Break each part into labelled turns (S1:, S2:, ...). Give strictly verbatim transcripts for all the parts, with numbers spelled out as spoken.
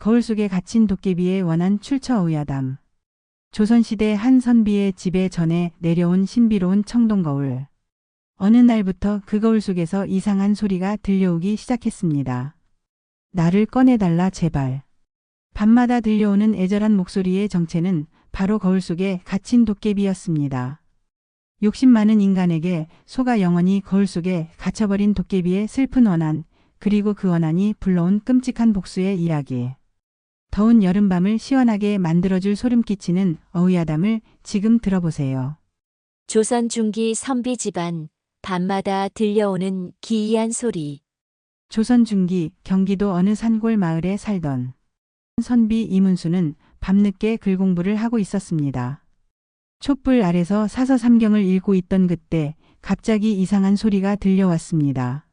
S1: 거울 속에 갇힌 도깨비의 원한 출처 의아담. 조선시대 한 선비의 집에 전해 내려온 신비로운 청동거울. 어느 날부터 그 거울 속에서 이상한 소리가 들려오기 시작했습니다. 나를 꺼내달라 제발. 밤마다 들려오는 애절한 목소리의 정체는 바로 거울 속에 갇힌 도깨비였습니다. 욕심 많은 인간에게 속아 영원히 거울 속에 갇혀버린 도깨비의 슬픈 원한, 그리고 그 원한이 불러온 끔찍한 복수의 이야기. 더운 여름밤을 시원하게 만들어줄 소름 끼치는 어휘야담을 지금 들어보세요.
S2: 조선 중기 선비 집안, 밤마다 들려오는 기이한 소리.
S1: 조선 중기 경기도 어느 산골 마을에 살던 선비 이문수는 밤늦게 글 공부를 하고 있었습니다. 촛불 아래서 사서삼경을 읽고 있던 그때 갑자기 이상한 소리가 들려왔습니다.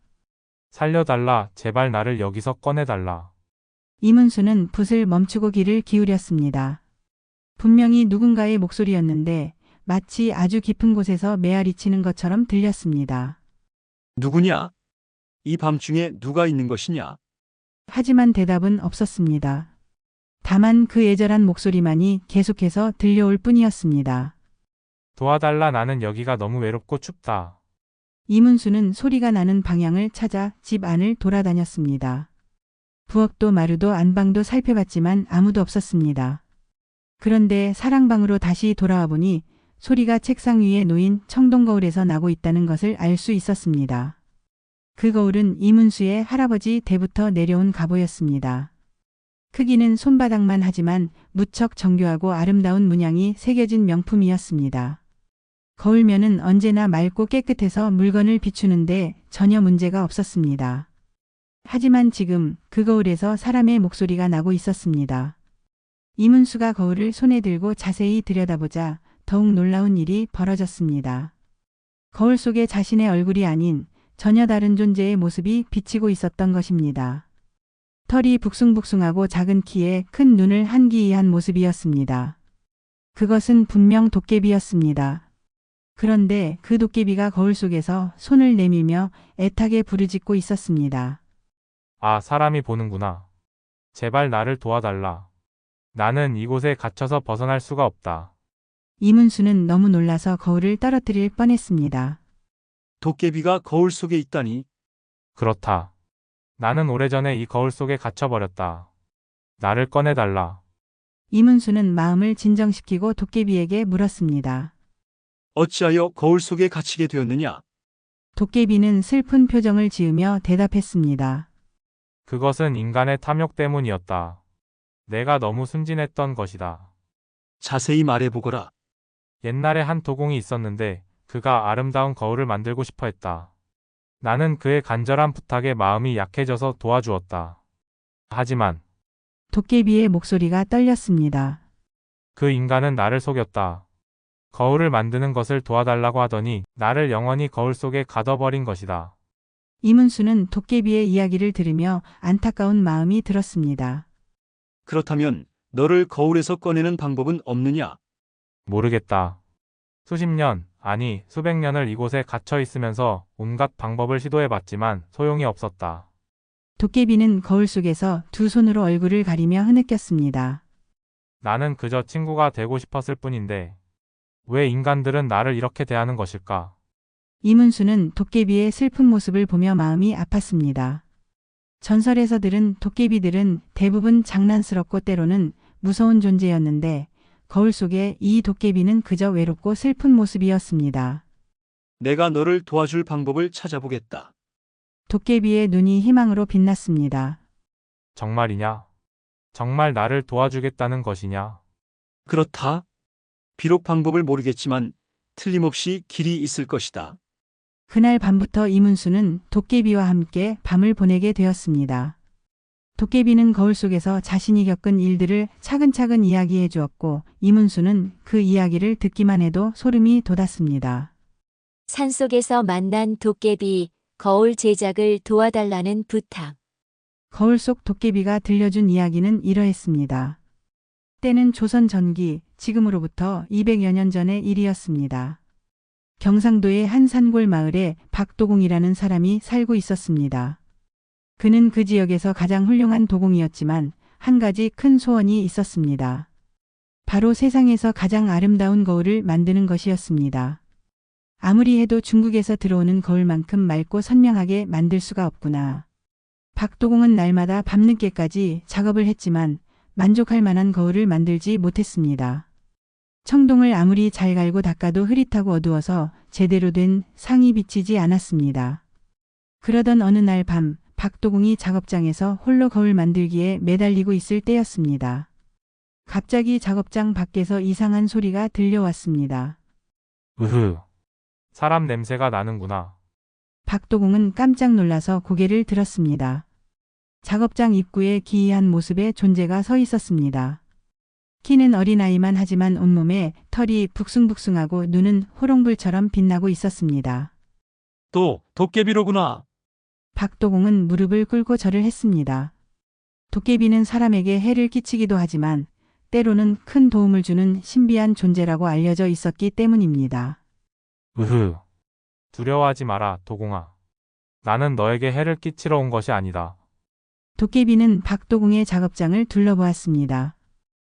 S3: 살려달라, 제발 나를 여기서 꺼내달라.
S1: 이문수는 붓을 멈추고 귀를 기울였습니다. 분명히 누군가의 목소리였는데 마치 아주 깊은 곳에서 메아리치는 것처럼 들렸습니다.
S4: 누구냐? 이 밤중에 누가 있는 것이냐?
S1: 하지만 대답은 없었습니다. 다만 그 애절한 목소리만이 계속해서 들려올 뿐이었습니다.
S3: 도와달라, 나는 여기가 너무 외롭고 춥다.
S1: 이문수는 소리가 나는 방향을 찾아 집 안을 돌아다녔습니다. 부엌도 마루도 안방도 살펴봤지만 아무도 없었습니다. 그런데 사랑방으로 다시 돌아와 보니 소리가 책상 위에 놓인 청동거울에서 나고 있다는 것을 알 수 있었습니다. 그 거울은 이문수의 할아버지 때부터 내려온 갑오였습니다. 크기는 손바닥만 하지만 무척 정교하고 아름다운 문양이 새겨진 명품이었습니다. 거울면은 언제나 맑고 깨끗해서 물건을 비추는데 전혀 문제가 없었습니다. 하지만 지금 그 거울에서 사람의 목소리가 나고 있었습니다. 이문수가 거울을 손에 들고 자세히 들여다보자 더욱 놀라운 일이 벌어졌습니다. 거울 속에 자신의 얼굴이 아닌 전혀 다른 존재의 모습이 비치고 있었던 것입니다. 털이 북숭북숭하고 작은 키에 큰 눈을 한기이한 모습이었습니다. 그것은 분명 도깨비였습니다. 그런데 그 도깨비가 거울 속에서 손을 내밀며 애타게 부르짖고 있었습니다.
S3: 아, 사람이 보는구나. 제발 나를 도와달라. 나는 이곳에 갇혀서 벗어날 수가 없다.
S1: 이문수는 너무 놀라서 거울을 떨어뜨릴 뻔했습니다.
S4: 도깨비가 거울 속에 있다니.
S3: 그렇다. 나는 오래전에 이 거울 속에 갇혀버렸다. 나를 꺼내달라.
S1: 이문수는 마음을 진정시키고 도깨비에게 물었습니다.
S4: 어찌하여 거울 속에 갇히게 되었느냐?
S1: 도깨비는 슬픈 표정을 지으며 대답했습니다.
S3: 그것은 인간의 탐욕 때문이었다. 내가 너무 순진했던 것이다.
S4: 자세히 말해보거라.
S3: 옛날에 한 도공이 있었는데 그가 아름다운 거울을 만들고 싶어 했다. 나는 그의 간절한 부탁에 마음이 약해져서 도와주었다. 하지만
S1: 도깨비의 목소리가 떨렸습니다.
S3: 그 인간은 나를 속였다. 거울을 만드는 것을 도와달라고 하더니 나를 영원히 거울 속에 가둬버린 것이다.
S1: 이문수는 도깨비의 이야기를 들으며 안타까운 마음이 들었습니다.
S4: 그렇다면 너를 거울에서 꺼내는 방법은 없느냐?
S3: 모르겠다. 수십 년, 아니 수백 년을 이곳에 갇혀 있으면서 온갖 방법을 시도해봤지만 소용이 없었다.
S1: 도깨비는 거울 속에서 두 손으로 얼굴을 가리며 흐느꼈습니다.
S3: 나는 그저 친구가 되고 싶었을 뿐인데 왜 인간들은 나를 이렇게 대하는 것일까?
S1: 이문수는 도깨비의 슬픈 모습을 보며 마음이 아팠습니다. 전설에서 들은 도깨비들은 대부분 장난스럽고 때로는 무서운 존재였는데 거울 속에 이 도깨비는 그저 외롭고 슬픈 모습이었습니다.
S4: 내가 너를 도와줄 방법을 찾아보겠다.
S1: 도깨비의 눈이 희망으로 빛났습니다.
S3: 정말이냐? 정말 나를 도와주겠다는 것이냐?
S4: 그렇다. 비록 방법을 모르겠지만 틀림없이 길이 있을 것이다.
S1: 그날 밤부터 이문수는 도깨비와 함께 밤을 보내게 되었습니다. 도깨비는 거울 속에서 자신이 겪은 일들을 차근차근 이야기해 주었고 이문수는 그 이야기를 듣기만 해도 소름이 돋았습니다.
S2: 산속에서 만난 도깨비, 거울 제작을 도와달라는 부탁.
S1: 거울 속 도깨비가 들려준 이야기는 이러했습니다. 때는 조선 전기, 지금으로부터 이백여 년 전의 일이었습니다. 경상도의 한 산골 마을에 박도공이라는 사람이 살고 있었습니다. 그는 그 지역에서 가장 훌륭한 도공이었지만 한 가지 큰 소원이 있었습니다. 바로 세상에서 가장 아름다운 거울을 만드는 것이었습니다. 아무리 해도 중국에서 들어오는 거울만큼 맑고 선명하게 만들 수가 없구나. 박도공은 날마다 밤늦게까지 작업을 했지만 만족할 만한 거울을 만들지 못했습니다. 청동을 아무리 잘 갈고 닦아도 흐릿하고 어두워서 제대로 된 상이 비치지 않았습니다. 그러던 어느 날 밤, 박도공이 작업장에서 홀로 거울 만들기에 매달리고 있을 때였습니다. 갑자기 작업장 밖에서 이상한 소리가 들려왔습니다.
S3: 으흐. 사람 냄새가 나는구나.
S1: 박도공은 깜짝 놀라서 고개를 들었습니다. 작업장 입구에 기이한 모습의 존재가 서 있었습니다. 키는 어린아이만 하지만 온몸에 털이 북숭북숭하고 눈은 호롱불처럼 빛나고 있었습니다.
S4: 또 도깨비로구나.
S1: 박도공은 무릎을 꿇고 절을 했습니다. 도깨비는 사람에게 해를 끼치기도 하지만 때로는 큰 도움을 주는 신비한 존재라고 알려져 있었기 때문입니다.
S3: 으흐. 두려워하지 마라, 도공아. 나는 너에게 해를 끼치러 온 것이 아니다.
S1: 도깨비는 박도공의 작업장을 둘러보았습니다.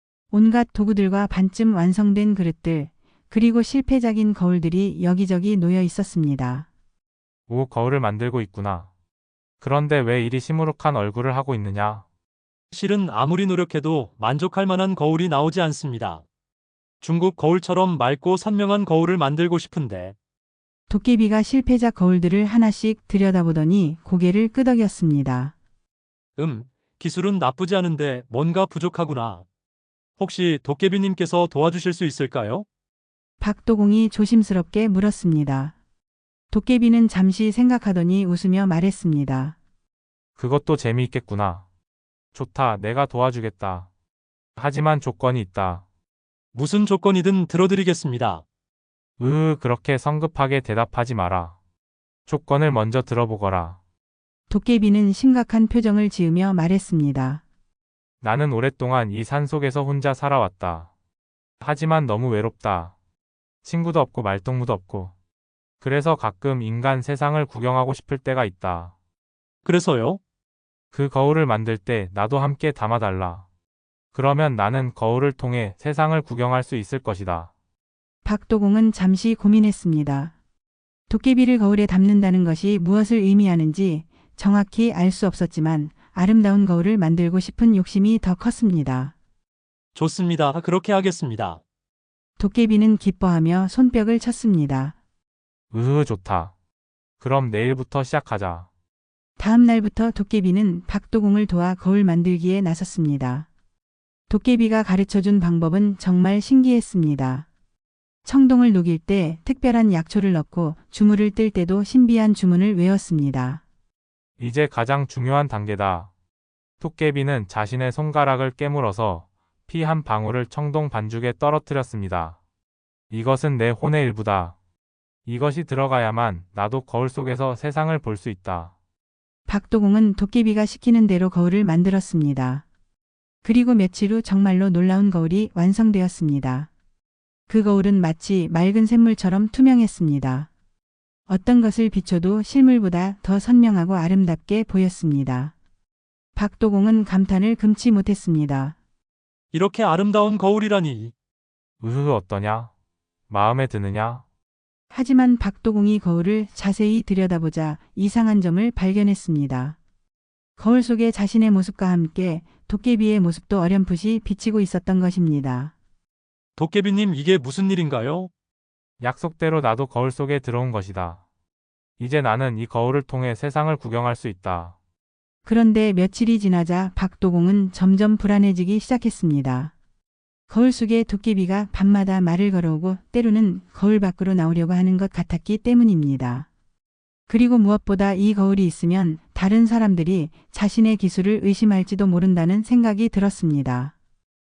S1: 온갖 도구들과 반쯤 완성된 그릇들, 그리고 실패작인 거울들이 여기저기 놓여 있었습니다.
S3: 오, 거울을 만들고 있구나. 그런데 왜 이리 시무룩한 얼굴을 하고 있느냐?
S4: 실은 아무리 노력해도 만족할 만한 거울이 나오지 않습니다. 중국 거울처럼 맑고 선명한 거울을 만들고 싶은데.
S1: 도깨비가 실패작 거울들을 하나씩 들여다보더니 고개를 끄덕였습니다.
S4: 음, 기술은 나쁘지 않은데 뭔가 부족하구나. 혹시 도깨비님께서 도와주실 수 있을까요?
S1: 박도공이 조심스럽게 물었습니다. 도깨비는 잠시 생각하더니 웃으며 말했습니다.
S3: 그것도 재미있겠구나. 좋다, 내가 도와주겠다. 하지만 조건이 있다.
S4: 무슨 조건이든 들어드리겠습니다.
S3: 으으, 그렇게 성급하게 대답하지 마라. 조건을 먼저 들어보거라.
S1: 도깨비는 심각한 표정을 지으며 말했습니다.
S3: 나는 오랫동안 이 산속에서 혼자 살아왔다. 하지만 너무 외롭다. 친구도 없고 말동무도 없고. 그래서 가끔 인간 세상을 구경하고 싶을 때가 있다.
S4: 그래서요?
S3: 그 거울을 만들 때 나도 함께 담아달라. 그러면 나는 거울을 통해 세상을 구경할 수 있을 것이다.
S1: 박도공은 잠시 고민했습니다. 도깨비를 거울에 담는다는 것이 무엇을 의미하는지 정확히 알 수 없었지만 아름다운 거울을 만들고 싶은 욕심이 더 컸습니다.
S4: 좋습니다. 그렇게 하겠습니다.
S1: 도깨비는 기뻐하며 손뼉을 쳤습니다.
S3: 으흐, 좋다. 그럼 내일부터 시작하자.
S1: 다음 날부터 도깨비는 박도공을 도와 거울 만들기에 나섰습니다. 도깨비가 가르쳐준 방법은 정말 신기했습니다. 청동을 녹일 때 특별한 약초를 넣고 주문을 뜰 때도 신비한 주문을 외웠습니다.
S3: 이제 가장 중요한 단계다. 도깨비는 자신의 손가락을 깨물어서 피 한 방울을 청동 반죽에 떨어뜨렸습니다. 이것은 내 혼의 일부다. 이것이 들어가야만 나도 거울 속에서 세상을 볼 수 있다.
S1: 박도공은 도깨비가 시키는 대로 거울을 만들었습니다. 그리고 며칠 후 정말로 놀라운 거울이 완성되었습니다. 그 거울은 마치 맑은 샘물처럼 투명했습니다. 어떤 것을 비춰도 실물보다 더 선명하고 아름답게 보였습니다. 박도공은 감탄을 금치 못했습니다.
S4: 이렇게 아름다운 거울이라니.
S3: 으흐, 어떠냐? 마음에 드느냐?
S1: 하지만 박도공이 거울을 자세히 들여다보자 이상한 점을 발견했습니다. 거울 속에 자신의 모습과 함께 도깨비의 모습도 어렴풋이 비치고 있었던 것입니다.
S4: 도깨비님, 이게 무슨 일인가요?
S3: 약속대로 나도 거울 속에 들어온 것이다. 이제 나는 이 거울을 통해 세상을 구경할 수 있다.
S1: 그런데 며칠이 지나자 박도공은 점점 불안해지기 시작했습니다. 거울 속에 도깨비가 밤마다 말을 걸어오고 때로는 거울 밖으로 나오려고 하는 것 같았기 때문입니다. 그리고 무엇보다 이 거울이 있으면 다른 사람들이 자신의 기술을 의심할지도 모른다는 생각이 들었습니다.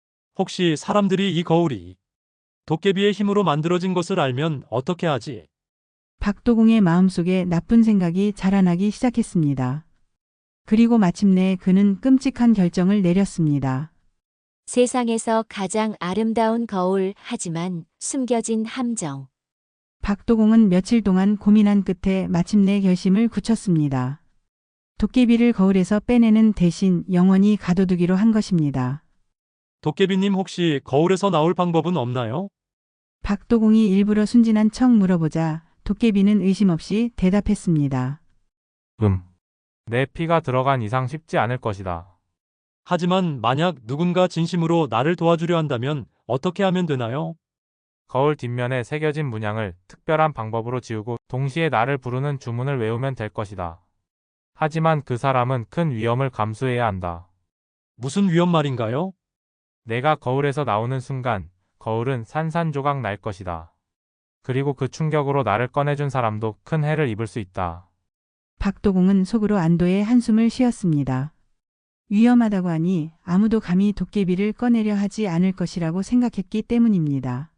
S4: 혹시 사람들이 이 거울이 도깨비의 힘으로 만들어진 것을 알면 어떻게 하지?
S1: 박도공의 마음속에 나쁜 생각이 자라나기 시작했습니다. 그리고 마침내 그는 끔찍한 결정을 내렸습니다.
S2: 세상에서 가장 아름다운 거울 하지만 숨겨진 함정.
S1: 박도공은 며칠 동안 고민한 끝에 마침내 결심을 굳혔습니다. 도깨비를 거울에서 빼내는 대신 영원히 가둬두기로 한 것입니다.
S4: 도깨비님 혹시 거울에서 나올 방법은 없나요?
S1: 박도공이 일부러 순진한 척 물어보자 도깨비는 의심 없이 대답했습니다.
S3: 음. 내 피가 들어간 이상 쉽지 않을 것이다.
S4: 하지만 만약 누군가 진심으로 나를 도와주려 한다면 어떻게 하면 되나요?
S3: 거울 뒷면에 새겨진 문양을 특별한 방법으로 지우고 동시에 나를 부르는 주문을 외우면 될 것이다. 하지만 그 사람은 큰 위험을 감수해야 한다.
S4: 무슨 위험 말인가요?
S3: 내가 거울에서 나오는 순간 거울은 산산조각 날 것이다. 그리고 그 충격으로 나를 꺼내준 사람도 큰 해를 입을 수 있다.
S1: 박도공은 속으로 안도의 한숨을 쉬었습니다. 위험하다고 하니 아무도 감히 도깨비를 꺼내려 하지 않을 것이라고 생각했기 때문입니다.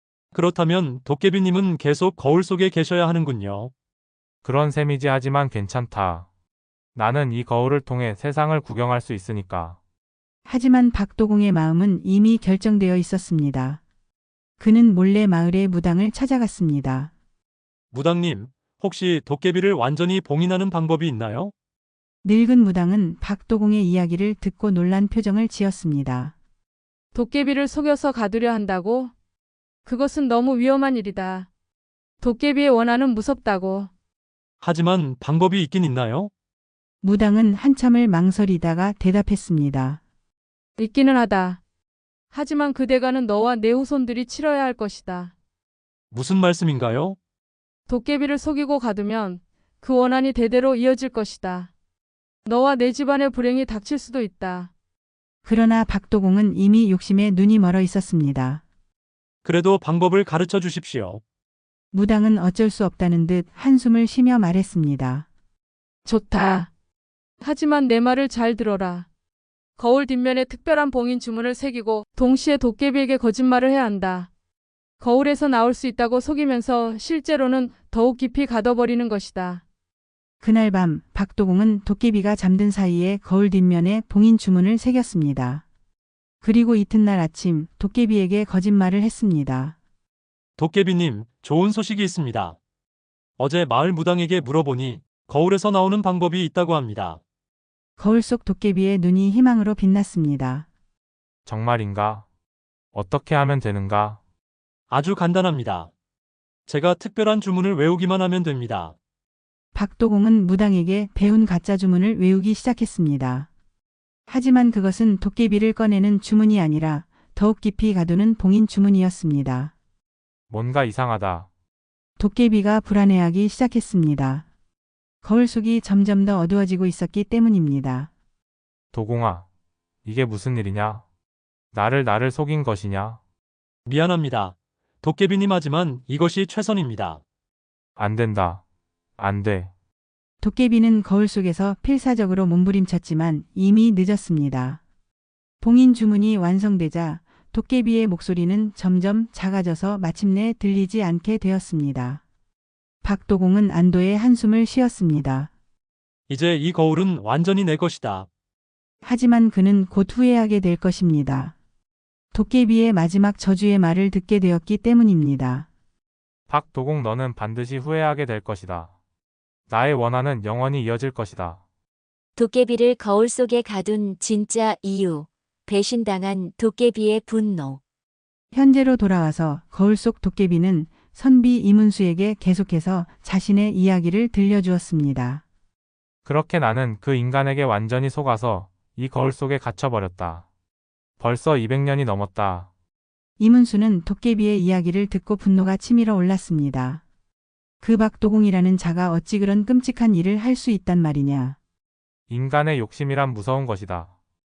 S4: 그렇다면 도깨비님은 계속 거울 속에 계셔야 하는군요.
S3: 그런 셈이지 하지만 괜찮다. 나는 이 거울을 통해 세상을 구경할 수 있으니까.
S1: 하지만 박도공의 마음은 이미 결정되어 있었습니다. 그는 몰래 마을의 무당을 찾아갔습니다.
S4: 무당님, 혹시 도깨비를 완전히 봉인하는 방법이 있나요?
S1: 늙은 무당은 박도공의 이야기를 듣고 놀란 표정을 지었습니다.
S5: 도깨비를 속여서 가두려 한다고? 그것은 너무 위험한 일이다. 도깨비의 원한은 무섭다고.
S4: 하지만 방법이 있긴 있나요?
S1: 무당은 한참을 망설이다가 대답했습니다.
S5: 있기는 하다. 하지만 그 대가는 너와 내 후손들이 치러야 할 것이다.
S4: 무슨 말씀인가요?
S5: 도깨비를 속이고 가두면 그 원한이 대대로 이어질 것이다. 너와 내 집안의 불행이 닥칠 수도 있다.
S1: 그러나 박도공은 이미 욕심에 눈이 멀어 있었습니다.
S4: 그래도 방법을 가르쳐 주십시오.
S1: 무당은 어쩔 수 없다는 듯 한숨을 쉬며 말했습니다.
S5: 좋다. 하지만 내 말을 잘 들어라. 거울 뒷면에 특별한 봉인 주문을 새기고 동시에 도깨비에게 거짓말을 해야 한다. 거울에서 나올 수 있다고 속이면서 실제로는 더욱 깊이 가둬버리는 것이다.
S1: 그날 밤 박도공은 도깨비가 잠든 사이에 거울 뒷면에 봉인 주문을 새겼습니다. 그리고 이튿날 아침 도깨비에게 거짓말을 했습니다.
S4: 도깨비님, 좋은 소식이 있습니다. 어제 마을 무당에게 물어보니 거울에서 나오는 방법이 있다고 합니다.
S1: 거울 속 도깨비의 눈이 희망으로 빛났습니다.
S3: 정말인가? 어떻게 하면 되는가?
S4: 아주 간단합니다. 제가 특별한 주문을 외우기만 하면 됩니다.
S1: 박도공은 무당에게 배운 가짜 주문을 외우기 시작했습니다. 하지만 그것은 도깨비를 꺼내는 주문이 아니라 더욱 깊이 가두는 봉인 주문이었습니다.
S3: 뭔가 이상하다.
S1: 도깨비가 불안해하기 시작했습니다. 거울 속이 점점 더 어두워지고 있었기 때문입니다.
S3: 도공아, 이게 무슨 일이냐? 나를 나를 속인 것이냐?
S4: 미안합니다. 도깨비님 하지만 이것이 최선입니다.
S3: 안 된다. 안 돼.
S1: 도깨비는 거울 속에서 필사적으로 몸부림쳤지만 이미 늦었습니다. 봉인 주문이 완성되자 도깨비의 목소리는 점점 작아져서 마침내 들리지 않게 되었습니다. 박도공은 안도의 한숨을 쉬었습니다.
S4: 이제 이 거울은 완전히 내 것이다.
S1: 하지만 그는 곧 후회하게 될 것입니다. 도깨비의 마지막 저주의 말을 듣게 되었기 때문입니다.
S3: 박도공 너는 반드시 후회하게 될 것이다. 나의 원한은 영원히 이어질 것이다.
S2: 도깨비를 거울 속에 가둔 진짜 이유. 배신당한 도깨비의 분노.
S1: 현재로 돌아와서 거울 속 도깨비는 선비 이문수에게 계속해서 자신의 이야기를 들려주었습니다.
S3: 그렇게 나는 그 인간에게 완전히 속아서 이 거울 속에 갇혀버렸다. 벌써 이백 년이 넘었다.
S1: 이문수는 도깨비의 이야기를 듣고 분노가 치밀어 올랐습니다. 그 박도공이라는 자가 어찌 그런 끔찍한 일을 할 수 있단 말이냐.
S3: 인간의 욕심이란 무서운 것이다.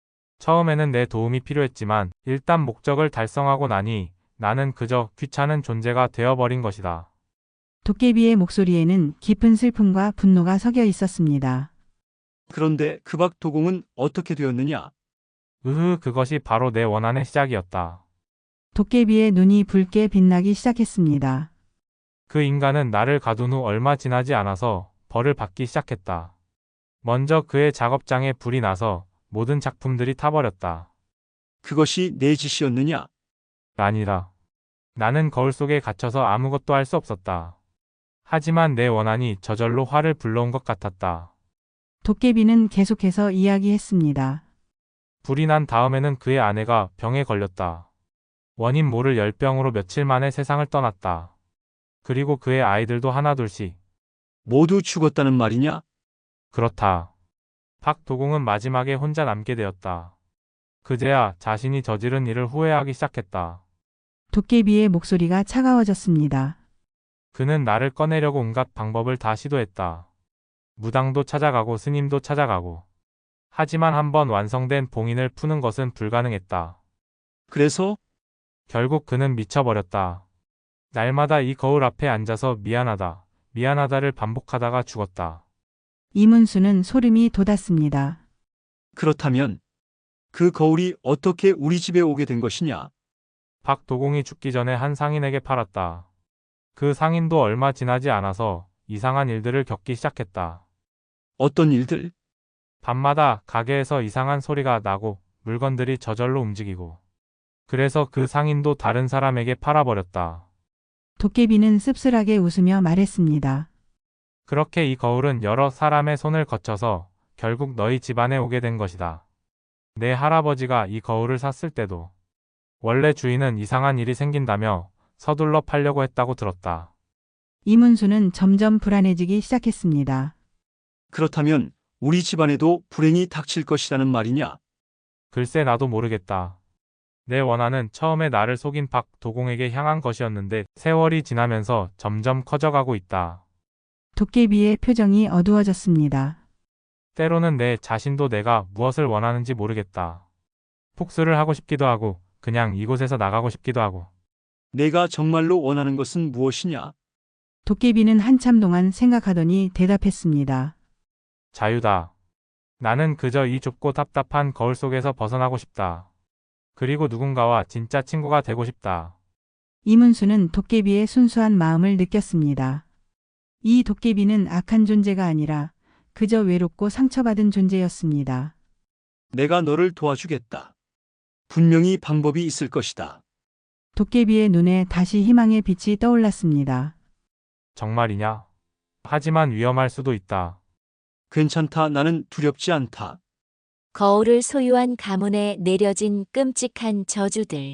S3: 처음에는 내 도움이 필요했지만 일단 목적을 달성하고 나니 나는 그저 귀찮은 존재가 되어버린 것이다.
S1: 도깨비의 목소리에는 깊은 슬픔과 분노가 섞여 있었습니다.
S6: 그런데 그 박도공은 어떻게 되었느냐?
S3: 으흐, 그것이 바로 내 원한의 시작이었다.
S1: 도깨비의 눈이 붉게 빛나기 시작했습니다.
S3: 그 인간은 나를 가둔 후 얼마 지나지 않아서 벌을 받기 시작했다. 먼저 그의 작업장에 불이 나서 모든 작품들이 타버렸다.
S6: 그것이 내 짓이었느냐?
S3: 아니라. 나는 거울 속에 갇혀서 아무것도 할 수 없었다. 하지만 내 원한이 저절로 화를 불러온 것 같았다.
S1: 도깨비는 계속해서 이야기했습니다.
S3: 불이 난 다음에는 그의 아내가 병에 걸렸다. 원인 모를 열병으로 며칠 만에 세상을 떠났다. 그리고 그의 아이들도 하나둘씩.
S6: 모두 죽었다는 말이냐?
S3: 그렇다. 박도공은 마지막에 혼자 남게 되었다. 그제야 자신이 저지른 일을 후회하기 시작했다.
S1: 도깨비의 목소리가 차가워졌습니다.
S3: 그는 나를 꺼내려고 온갖 방법을 다 시도했다. 무당도 찾아가고 스님도 찾아가고. 하지만 한번 완성된 봉인을 푸는 것은 불가능했다.
S6: 그래서
S3: 결국 그는 미쳐버렸다. 날마다 이 거울 앞에 앉아서 미안하다, 미안하다를 반복하다가 죽었다.
S1: 이문수는 소름이 돋았습니다.
S6: 그렇다면 그 거울이 어떻게 우리 집에 오게 된 것이냐?
S3: 박도공이 죽기 전에 한 상인에게 팔았다. 그 상인도 얼마 지나지 않아서 이상한 일들을 겪기 시작했다.
S6: 어떤 일들?
S3: 밤마다 가게에서 이상한 소리가 나고 물건들이 저절로 움직이고. 그래서 그 상인도 다른 사람에게 팔아버렸다.
S1: 도깨비는 씁쓸하게 웃으며 말했습니다.
S3: 그렇게 이 거울은 여러 사람의 손을 거쳐서 결국 너희 집안에 오게 된 것이다. 내 할아버지가 이 거울을 샀을 때도 원래 주인은 이상한 일이 생긴다며 서둘러 팔려고 했다고 들었다.
S1: 이문수는 점점 불안해지기 시작했습니다.
S6: 그렇다면 우리 집안에도 불행이 닥칠 것이라는 말이냐?
S3: 글쎄 나도 모르겠다. 내 원한은 처음에 나를 속인 박도공에게 향한 것이었는데 세월이 지나면서 점점 커져가고 있다.
S1: 도깨비의 표정이 어두워졌습니다.
S3: 때로는 내 자신도 내가 무엇을 원하는지 모르겠다. 복수를 하고 싶기도 하고 그냥 이곳에서 나가고 싶기도 하고.
S6: 내가 정말로 원하는 것은 무엇이냐?
S1: 도깨비는 한참 동안 생각하더니 대답했습니다.
S3: 자유다. 나는 그저 이 좁고 답답한 거울 속에서 벗어나고 싶다. 그리고 누군가와 진짜 친구가 되고 싶다.
S1: 이문수는 도깨비의 순수한 마음을 느꼈습니다. 이 도깨비는 악한 존재가 아니라 그저 외롭고 상처받은 존재였습니다.
S6: 내가 너를 도와주겠다. 분명히 방법이 있을 것이다.
S1: 도깨비의 눈에 다시 희망의 빛이 떠올랐습니다.
S3: 정말이냐? 하지만 위험할 수도 있다.
S6: 괜찮다. 나는 두렵지 않다.
S2: 거울을 소유한 가문에 내려진 끔찍한 저주들.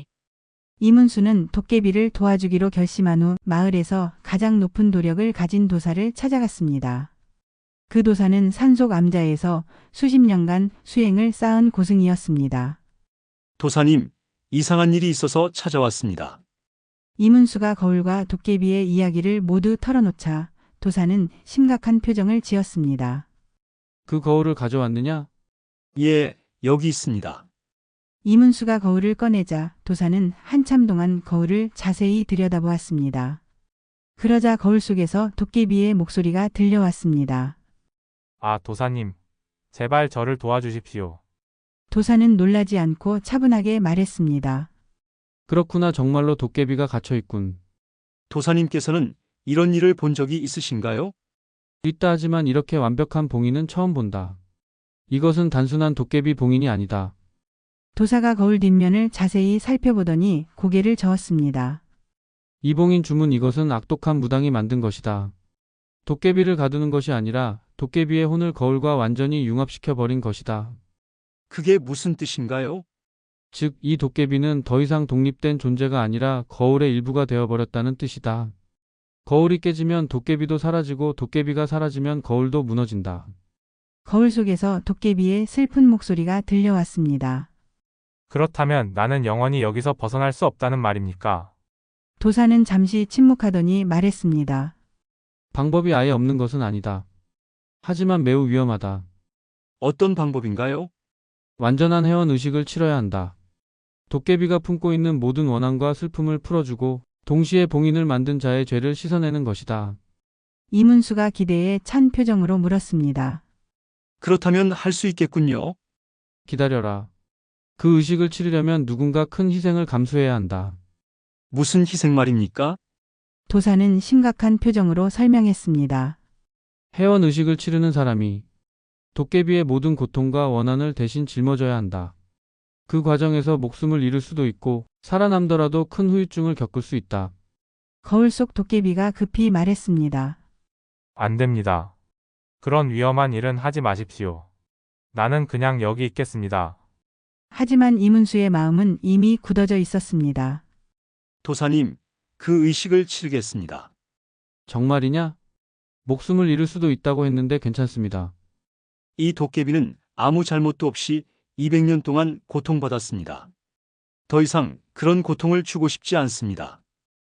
S1: 이문수는 도깨비를 도와주기로 결심한 후 마을에서 가장 높은 도력을 가진 도사를 찾아갔습니다. 그 도사는 산속 암자에서 수십 년간 수행을 쌓은 고승이었습니다.
S6: 도사님, 이상한 일이 있어서 찾아왔습니다.
S1: 이문수가 거울과 도깨비의 이야기를 모두 털어놓자 도사는 심각한 표정을 지었습니다.
S7: 그 거울을 가져왔느냐?
S6: 예, 여기 있습니다.
S1: 이문수가 거울을 꺼내자 도사는 한참 동안 거울을 자세히 들여다보았습니다. 그러자 거울 속에서 도깨비의 목소리가 들려왔습니다.
S3: 아, 도사님. 제발 저를 도와주십시오.
S1: 도사는 놀라지 않고 차분하게 말했습니다.
S7: 그렇구나. 정말로 도깨비가 갇혀 있군.
S6: 도사님께서는 이런 일을 본 적이 있으신가요?
S7: 있다 하지만 이렇게 완벽한 봉인은 처음 본다. 이것은 단순한 도깨비 봉인이 아니다.
S1: 도사가 거울 뒷면을 자세히 살펴보더니 고개를 저었습니다.
S7: 이 봉인 주문 이것은 악독한 무당이 만든 것이다. 도깨비를 가두는 것이 아니라 도깨비의 혼을 거울과 완전히 융합시켜 버린 것이다.
S6: 그게 무슨 뜻인가요?
S7: 즉, 이 도깨비는 더 이상 독립된 존재가 아니라 거울의 일부가 되어버렸다는 뜻이다. 거울이 깨지면 도깨비도 사라지고 도깨비가 사라지면 거울도 무너진다.
S1: 거울 속에서 도깨비의 슬픈 목소리가 들려왔습니다.
S3: 그렇다면 나는 영원히 여기서 벗어날 수 없다는 말입니까?
S1: 도사는 잠시 침묵하더니 말했습니다.
S7: 방법이 아예 없는 것은 아니다. 하지만 매우 위험하다.
S6: 어떤 방법인가요?
S7: 완전한 회원 의식을 치러야 한다. 도깨비가 품고 있는 모든 원한과 슬픔을 풀어주고 동시에 봉인을 만든 자의 죄를 씻어내는 것이다.
S1: 이문수가 기대에 찬 표정으로 물었습니다.
S6: 그렇다면 할 수 있겠군요.
S7: 기다려라. 그 의식을 치르려면 누군가 큰 희생을 감수해야 한다.
S6: 무슨 희생 말입니까?
S1: 도사는 심각한 표정으로 설명했습니다.
S7: 회원 의식을 치르는 사람이 도깨비의 모든 고통과 원한을 대신 짊어져야 한다. 그 과정에서 목숨을 잃을 수도 있고 살아남더라도 큰 후유증을 겪을 수 있다.
S1: 거울 속 도깨비가 급히 말했습니다.
S3: 안 됩니다. 그런 위험한 일은 하지 마십시오. 나는 그냥 여기 있겠습니다.
S1: 하지만 이문수의 마음은 이미 굳어져 있었습니다.
S6: 도사님, 그 의식을 치르겠습니다.
S7: 정말이냐? 목숨을 잃을 수도 있다고 했는데 괜찮습니다.
S6: 이 도깨비는 아무 잘못도 없이 이백 년 동안 고통받았습니다. 더 이상 그런 고통을 주고 싶지 않습니다.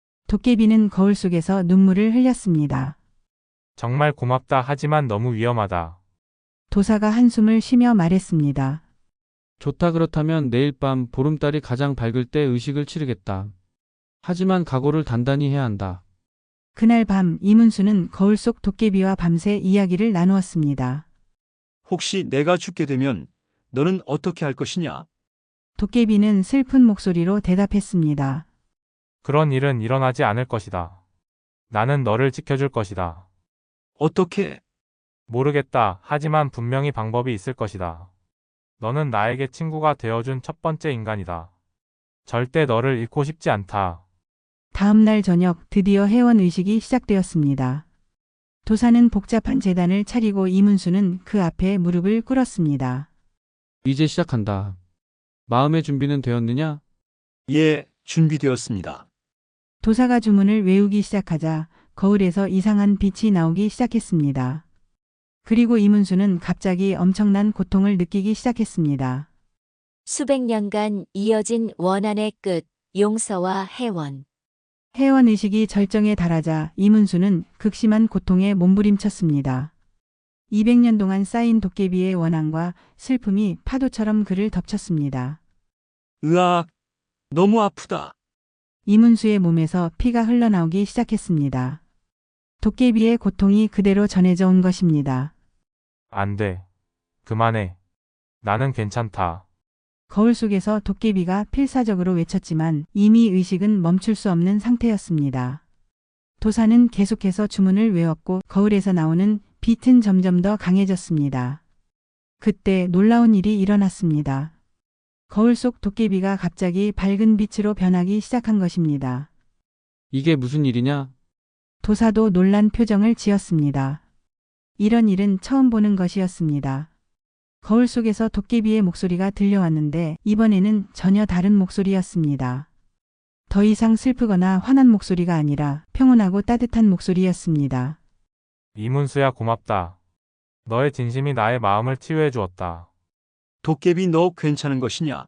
S1: 도깨비는 거울 속에서 눈물을 흘렸습니다.
S3: 정말 고맙다. 하지만 너무 위험하다.
S1: 도사가 한숨을 쉬며 말했습니다.
S7: 좋다 그렇다면 내일 밤 보름달이 가장 밝을 때 의식을 치르겠다. 하지만 각오를 단단히 해야 한다.
S1: 그날 밤 이문수는 거울 속 도깨비와 밤새 이야기를 나누었습니다.
S6: 혹시 내가 죽게 되면 너는 어떻게 할 것이냐?
S1: 도깨비는 슬픈 목소리로 대답했습니다.
S3: 그런 일은 일어나지 않을 것이다. 나는 너를 지켜줄 것이다.
S6: 어떻게?
S3: 모르겠다. 하지만 분명히 방법이 있을 것이다. 너는 나에게 친구가 되어준 첫 번째 인간이다. 절대 너를 잃고 싶지 않다.
S1: 다음 날 저녁 드디어 회원 의식이 시작되었습니다. 도사는 복잡한 제단을 차리고 이문수는 그 앞에 무릎을 꿇었습니다.
S7: 이제 시작한다. 마음의 준비는 되었느냐?
S6: 예, 준비되었습니다.
S1: 도사가 주문을 외우기 시작하자 거울에서 이상한 빛이 나오기 시작했습니다. 그리고 이문수는 갑자기 엄청난 고통을 느끼기 시작했습니다.
S2: 수백 년간 이어진 원한의 끝, 용서와 해원.
S1: 회원 의식이 절정에 달하자 이문수는 극심한 고통에 몸부림쳤습니다. 이백 년 동안 쌓인 도깨비의 원한과 슬픔이 파도처럼 그를 덮쳤습니다.
S6: 으악, 너무 아프다.
S1: 이문수의 몸에서 피가 흘러나오기 시작했습니다. 도깨비의 고통이 그대로 전해져 온 것입니다.
S3: 안 돼. 그만해. 나는 괜찮다.
S1: 거울 속에서 도깨비가 필사적으로 외쳤지만 이미 의식은 멈출 수 없는 상태였습니다. 도사는 계속해서 주문을 외웠고 거울에서 나오는 빛은 점점 더 강해졌습니다. 그때 놀라운 일이 일어났습니다. 거울 속 도깨비가 갑자기 밝은 빛으로 변하기 시작한 것입니다.
S7: 이게 무슨 일이냐?
S1: 도사도 놀란 표정을 지었습니다. 이런 일은 처음 보는 것이었습니다. 거울 속에서 도깨비의 목소리가 들려왔는데 이번에는 전혀 다른 목소리였습니다. 더 이상 슬프거나 화난 목소리가 아니라 평온하고 따뜻한 목소리였습니다.
S3: 이문수야, 고맙다. 너의 진심이 나의 마음을 치유해 주었다.
S6: 도깨비 너 괜찮은 것이냐?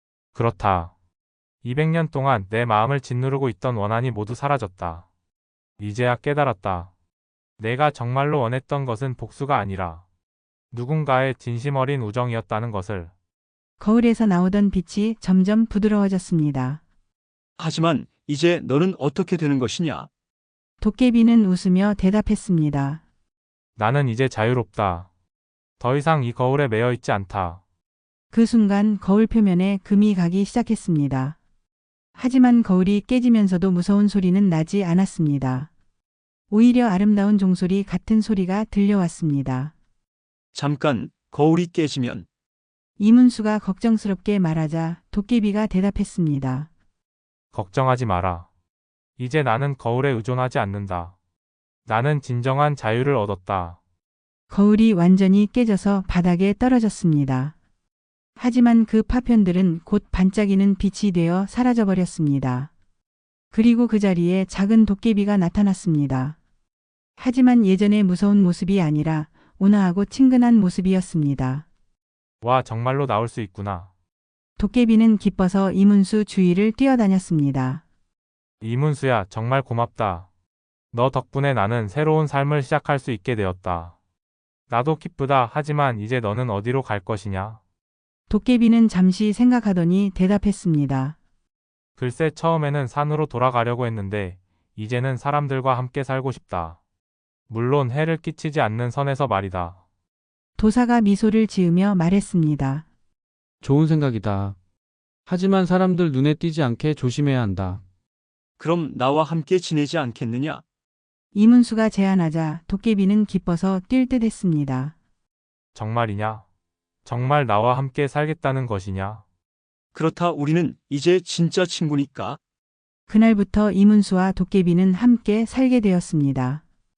S3: 그렇다. 이백 년 동안 내 마음을 짓누르고 있던 원한이 모두 사라졌다. 이제야 깨달았다. 내가 정말로 원했던 것은 복수가 아니라 누군가의 진심 어린 우정이었다는 것을.
S1: 거울에서 나오던 빛이 점점 부드러워졌습니다.
S6: 하지만 이제 너는 어떻게 되는 것이냐?
S1: 도깨비는 웃으며 대답했습니다.
S3: 나는 이제 자유롭다. 더 이상 이 거울에 매여 있지 않다.
S1: 그 순간 거울 표면에 금이 가기 시작했습니다. 하지만 거울이 깨지면서도 무서운 소리는 나지 않았습니다. 오히려 아름다운 종소리 같은 소리가 들려왔습니다.
S6: 잠깐, 거울이 깨지면
S1: 이문수가 걱정스럽게 말하자 도깨비가 대답했습니다.
S3: 걱정하지 마라. 이제 나는 거울에 의존하지 않는다. 나는 진정한 자유를 얻었다.
S1: 거울이 완전히 깨져서 바닥에 떨어졌습니다. 하지만 그 파편들은 곧 반짝이는 빛이 되어 사라져버렸습니다. 그리고 그 자리에 작은 도깨비가 나타났습니다. 하지만 예전의 무서운 모습이 아니라 온화하고 친근한 모습이었습니다.
S3: 와, 정말로 나올 수 있구나.
S1: 도깨비는 기뻐서 이문수 주위를 뛰어다녔습니다.
S3: 이문수야, 정말 고맙다. 너 덕분에 나는 새로운 삶을 시작할 수 있게 되었다. 나도 기쁘다. 하지만 이제 너는 어디로 갈 것이냐?
S1: 도깨비는 잠시 생각하더니 대답했습니다.
S3: 글쎄, 처음에는 산으로 돌아가려고 했는데 이제는 사람들과 함께 살고 싶다. 물론 해를 끼치지 않는 선에서 말이다.
S1: 도사가 미소를 지으며 말했습니다.
S7: 좋은 생각이다. 하지만 사람들 눈에 띄지 않게 조심해야 한다.
S6: 그럼 나와 함께 지내지 않겠느냐?
S1: 이문수가 제안하자 도깨비는 기뻐서 뛸 듯 했습니다.
S3: 정말이냐? 정말 나와 함께 살겠다는 것이냐?
S6: 그렇다, 우리는 이제 진짜 친구니까.
S1: 그날부터 이문수와 도깨비는 함께 살게 되었습니다.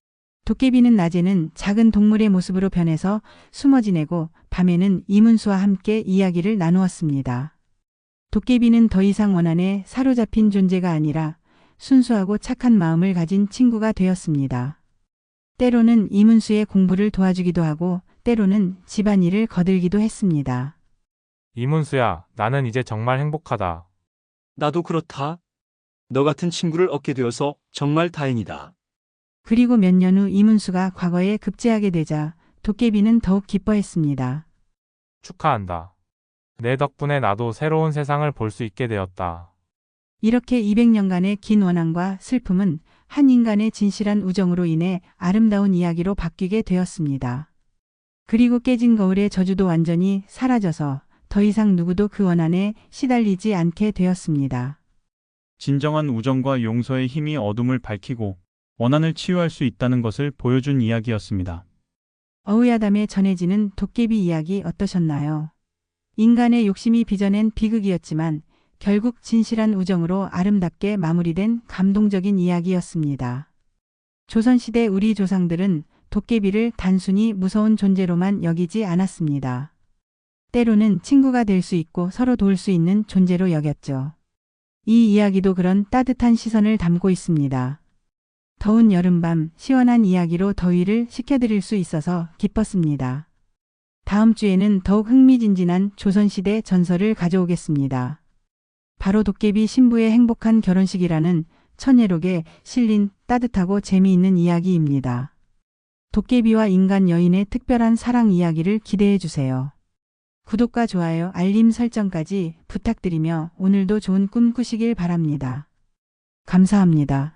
S1: 도깨비는 낮에는 작은 동물의 모습으로 변해서 숨어 지내고 밤에는 이문수와 함께 이야기를 나누었습니다. 도깨비는 더 이상 원한에 사로잡힌 존재가 아니라 순수하고 착한 마음을 가진 친구가 되었습니다. 때로는 이문수의 공부를 도와주기도 하고 때로는 집안일을 거들기도 했습니다.
S3: 이문수야, 나는 이제 정말 행복하다.
S6: 나도 그렇다. 너 같은 친구를 얻게 되어서 정말 다행이다.
S1: 그리고 몇 년 후 이문수가 과거에 급제하게 되자 도깨비는 더욱 기뻐했습니다.
S3: 축하한다. 내 덕분에 나도 새로운 세상을 볼 수 있게 되었다.
S1: 이렇게 이백 년간의 긴 원한과 슬픔은 한 인간의 진실한 우정으로 인해 아름다운 이야기로 바뀌게 되었습니다. 그리고 깨진 거울의 저주도 완전히 사라져서 더 이상 누구도 그 원한에 시달리지 않게 되었습니다.
S8: 진정한 우정과 용서의 힘이 어둠을 밝히고 원한을 치유할 수 있다는 것을 보여준 이야기였습니다.
S1: 어우야담에 전해지는 도깨비 이야기 어떠셨나요? 인간의 욕심이 빚어낸 비극이었지만 결국 진실한 우정으로 아름답게 마무리된 감동적인 이야기였습니다. 조선시대 우리 조상들은 도깨비를 단순히 무서운 존재로만 여기지 않았습니다. 때로는 친구가 될 수 있고 서로 도울 수 있는 존재로 여겼죠. 이 이야기도 그런 따뜻한 시선을 담고 있습니다. 더운 여름밤 시원한 이야기로 더위를 식혀드릴 수 있어서 기뻤습니다. 다음 주에는 더욱 흥미진진한 조선시대 전설을 가져오겠습니다. 바로 도깨비 신부의 행복한 결혼식이라는 천예록에 실린 따뜻하고 재미있는 이야기입니다. 도깨비와 인간 여인의 특별한 사랑 이야기를 기대해 주세요. 구독과 좋아요, 알림 설정까지 부탁드리며 오늘도 좋은 꿈 꾸시길 바랍니다. 감사합니다.